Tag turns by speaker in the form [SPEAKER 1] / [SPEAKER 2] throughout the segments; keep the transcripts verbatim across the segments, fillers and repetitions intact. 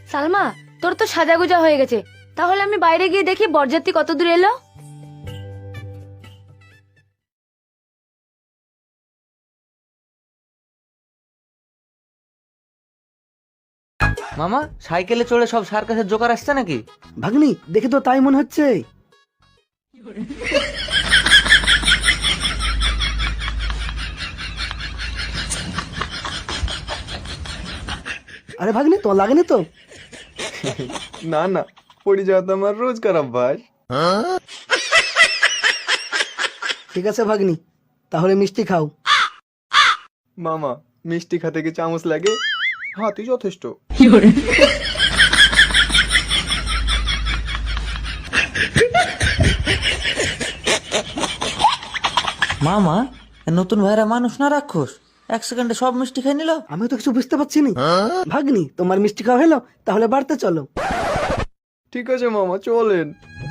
[SPEAKER 1] সালমা, তোর তো সাজাগুজা হয়ে গেছে, তাহলে আমি বাইরে গিয়ে দেখি বরযাত্রী কত দূর এলো।
[SPEAKER 2] মামা, সাইকেলে চড়ে সব সার্কাসের জোকার আসছে নাকি?
[SPEAKER 3] ভাগ্নি, দেখে তো তাই মনে হচ্ছে। আরে ভাগ্নি, তো লাগেনি তো?
[SPEAKER 4] না না, পড়ে যাওয়া তো আমার রোজকার অভ্যাস।
[SPEAKER 3] ঠিক আছে ভাগ্নি, তাহলে মিষ্টি খাও।
[SPEAKER 4] মামা, মিষ্টি খাতে কি চামচ লাগে? হাতই যথেষ্ট।
[SPEAKER 2] মামা, এ নতুন ভাইরা মানুষ না রাক্ষস? এক সেকেন্ডে সব মিষ্টি খেয়ে নিল।
[SPEAKER 3] আমি তো কিছু বুঝতে পারছি না। ভাগ্নি, তোমার মিষ্টি খাওয়া হলো, তাহলে বাড়তে চলো।
[SPEAKER 4] ঠিক আছে মামা, চলেন।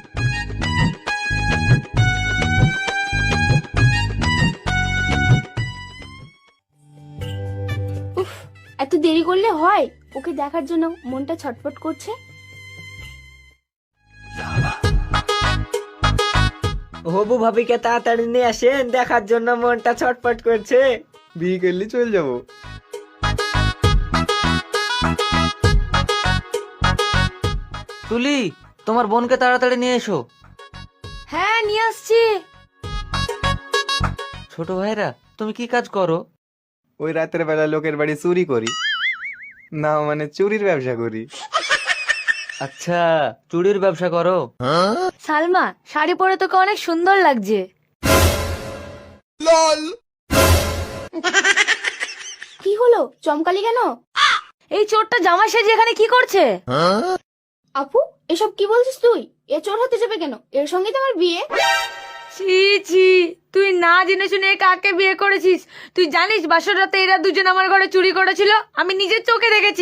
[SPEAKER 1] উফ, এত দেরি করলে হয়? ওকে দেখার জন্য মনটা ছটফট করছে।
[SPEAKER 5] হবু ভাবিকে তাড়াতাড়ি নিয়ে আসেন, দেখার জন্য মনটা ছটফট করছে।
[SPEAKER 4] বিয়ে করলে চলে যাবো।
[SPEAKER 2] তুলি, তোমার বোনকে তাড়াতাড়ি নিয়ে এসো।
[SPEAKER 1] হ্যাঁ, নিয়ে আসছি।
[SPEAKER 2] ছোট ভাইরা, তুমি কি কাজ করো?
[SPEAKER 4] ওই রাতের বেলা লোকের বাড়ি চুরি করি। না মানে চুরির ব্যবসা করি।
[SPEAKER 2] আচ্ছা, চুড়ির ব্যবসা করো?
[SPEAKER 1] সালমা, শাড়ি পরে তোকে অনেক সুন্দর লাগছে। কি হলো, চমকালি কেন? এই চোরটা জামা সেজে এখানে কি করছে?
[SPEAKER 6] আপু, এসব কি বলছিস তুই? এ চোর হতে যাবে কেন? এর সঙ্গে তো আমার বিয়ে।
[SPEAKER 1] ছি ছি, তুই না জেনে শুনে এ কাকে বিয়ে করেছিস? তুই জানিস বাসর রাতে এরা দুজন আমার ঘরে চুরি করেছিল? আমি নিজের চোখে দেখেছি।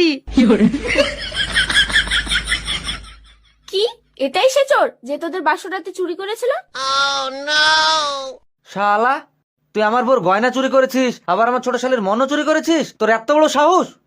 [SPEAKER 6] কি, এটাই সে চোর যে তোদের বাসর রাতে চুরি করেছিল?
[SPEAKER 2] শালা, তুই আমার বোর গয়না চুরি করেছিস, আবার আমার ছোট শালের মনও চুরি করেছিস? তোর এত বড় সাহস!